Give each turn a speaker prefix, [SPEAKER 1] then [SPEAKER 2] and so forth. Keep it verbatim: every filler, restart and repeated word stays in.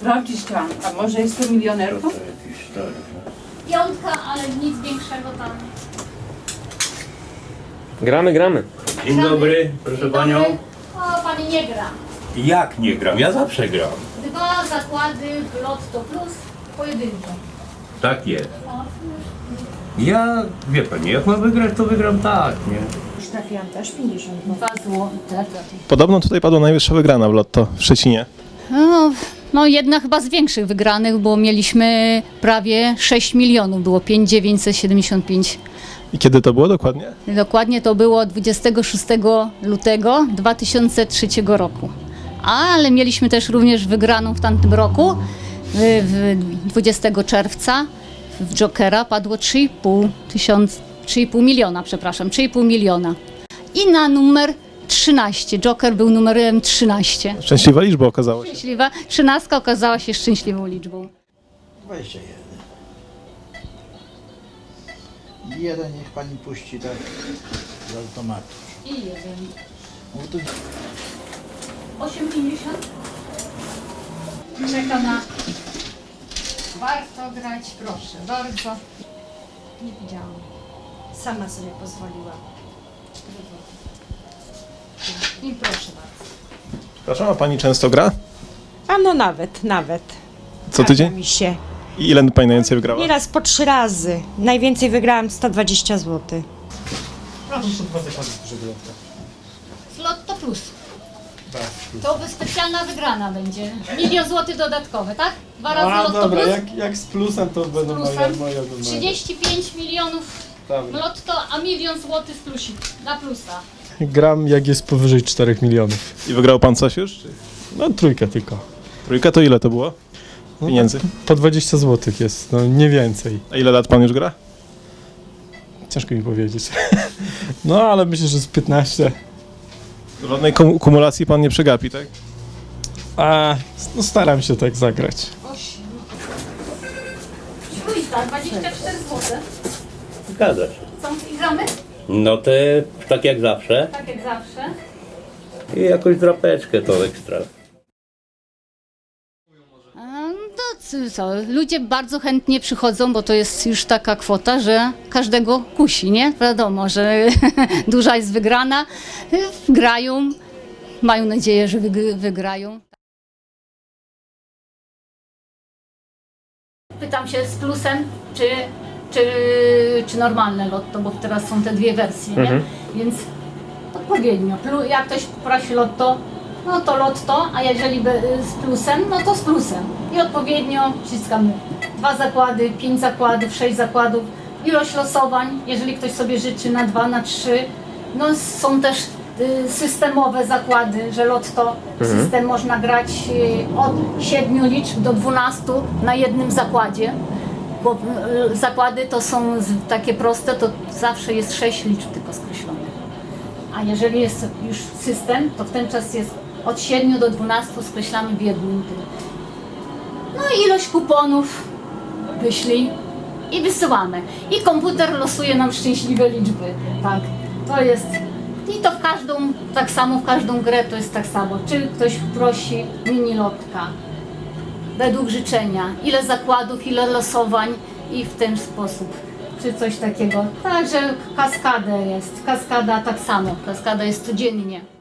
[SPEAKER 1] sprawdzić tam, a może jest to milionerką?
[SPEAKER 2] Piątka, ale nic większego tam.
[SPEAKER 3] Gramy, gramy.
[SPEAKER 4] Dzień dobry, proszę
[SPEAKER 2] Dzień
[SPEAKER 4] panią.
[SPEAKER 2] dobry. O, pani nie gra.
[SPEAKER 4] Jak nie gram? Ja zawsze gram.
[SPEAKER 2] Dwa zakłady w Lotto Plus pojedynczo.
[SPEAKER 4] Tak jest. Ja, wie pani, jak mam wygrać, to wygram tak, nie?
[SPEAKER 1] Trafiłam też pięćdziesiąt.
[SPEAKER 2] Dwa złote.
[SPEAKER 5] Podobno tutaj padła najwyższa wygrana w Lotto w Szczecinie.
[SPEAKER 2] No, no jedna chyba z większych wygranych, bo mieliśmy prawie sześć milionów, było pięć tysięcy dziewięćset siedemdziesiąt pięć.
[SPEAKER 5] I kiedy to było dokładnie?
[SPEAKER 2] Dokładnie to było dwudziestego szóstego lutego dwa tysiące trzeciego roku. Ale mieliśmy też również wygraną w tamtym roku, w, w dwudziestego czerwca w Jokera padło trzy i pół tysiąc, trzy i pół miliona, przepraszam, trzy i pół miliona. I na numer trzynaście, Joker był numerem trzynaście.
[SPEAKER 5] Szczęśliwa liczba okazało się.
[SPEAKER 2] Szczęśliwa, trzynastka okazała się szczęśliwą liczbą.
[SPEAKER 6] dwadzieścia jeden. Jeden niech pani puści tak z automatu.
[SPEAKER 2] I jeden.
[SPEAKER 6] No to
[SPEAKER 2] osiem pięćdziesiąt. Czeka na... Warto grać, proszę, bardzo. Nie widziałam.
[SPEAKER 1] Sama sobie pozwoliła.
[SPEAKER 2] I proszę bardzo.
[SPEAKER 5] Przepraszam, a pani często gra?
[SPEAKER 1] A no nawet, nawet.
[SPEAKER 5] Co
[SPEAKER 1] Zdarza
[SPEAKER 5] tydzień?
[SPEAKER 1] mi się.
[SPEAKER 5] I ile pani najwięcej wygrała?
[SPEAKER 1] Nieraz po trzy razy. Najwięcej wygrałam sto dwadzieścia złotych.
[SPEAKER 2] Proszę. Z Lotto Plus. To by specjalna wygrana będzie. Milion złotych dodatkowe, tak? Dwa razy
[SPEAKER 7] A
[SPEAKER 2] Lotto
[SPEAKER 7] dobra,
[SPEAKER 2] Plus.
[SPEAKER 7] jak, jak z plusem to będą moje,
[SPEAKER 2] plusem.
[SPEAKER 7] moje numery.
[SPEAKER 2] trzydzieści pięć milionów
[SPEAKER 7] Dobra.
[SPEAKER 2] Lotto, a milion złotych z plusik. Na plusa.
[SPEAKER 7] Gram jak jest powyżej czterech milionów.
[SPEAKER 5] I wygrał pan coś już? Czy...
[SPEAKER 7] No trójkę tylko.
[SPEAKER 5] Trójka to ile to było?
[SPEAKER 7] No,
[SPEAKER 5] Pieniędzy.
[SPEAKER 7] Po dwadzieścia złotych jest, no nie więcej.
[SPEAKER 5] A ile lat pan już gra?
[SPEAKER 7] Ciężko mi powiedzieć. No ale myślę, że z piętnaście.
[SPEAKER 5] Żadnej kum- kumulacji pan nie przegapi, tak?
[SPEAKER 7] A no staram się tak zagrać.
[SPEAKER 2] Trójka, dwadzieścia cztery złote.
[SPEAKER 4] Zgadza się.
[SPEAKER 2] Są i gramy?
[SPEAKER 4] No te, tak jak zawsze.
[SPEAKER 2] Tak jak zawsze.
[SPEAKER 4] I jakąś drapeczkę to ekstra.
[SPEAKER 2] To c- co, ludzie bardzo chętnie przychodzą, bo to jest już taka kwota, że każdego kusi, nie? Wiadomo, że duża jest wygrana, grają, mają nadzieję, że wyg- wygrają. Pytam się z plusem, czy, czy, czy normalne lotto, bo teraz są te dwie wersje, nie?
[SPEAKER 3] Mhm.
[SPEAKER 2] Więc odpowiednio. Plu- Jak ktoś prosi lotto, no to lotto, a jeżeli by z plusem, no to z plusem. I odpowiednio wciskamy dwa zakłady, pięć zakładów, sześć zakładów, ilość losowań, jeżeli ktoś sobie życzy na dwa, na trzy. No są też y, systemowe zakłady, że lotto, system można grać y, od siedmiu liczb do dwunastu na jednym zakładzie. Bo y, zakłady to są z, takie proste, to zawsze jest sześć liczb tylko skreślonych. A jeżeli jest już system, to w ten czas jest od siedmiu do dwunastu skreślamy w jednym tym. No i ilość kuponów wyślij i wysyłamy. I komputer losuje nam szczęśliwe liczby. Tak, to jest. I to w każdą, tak samo w każdą grę to jest tak samo. Czy ktoś prosi mini lotka według życzenia, ile zakładów, ile losowań i w ten sposób. Czy coś takiego. Także kaskadę jest. Kaskada tak samo. Kaskada jest codziennie.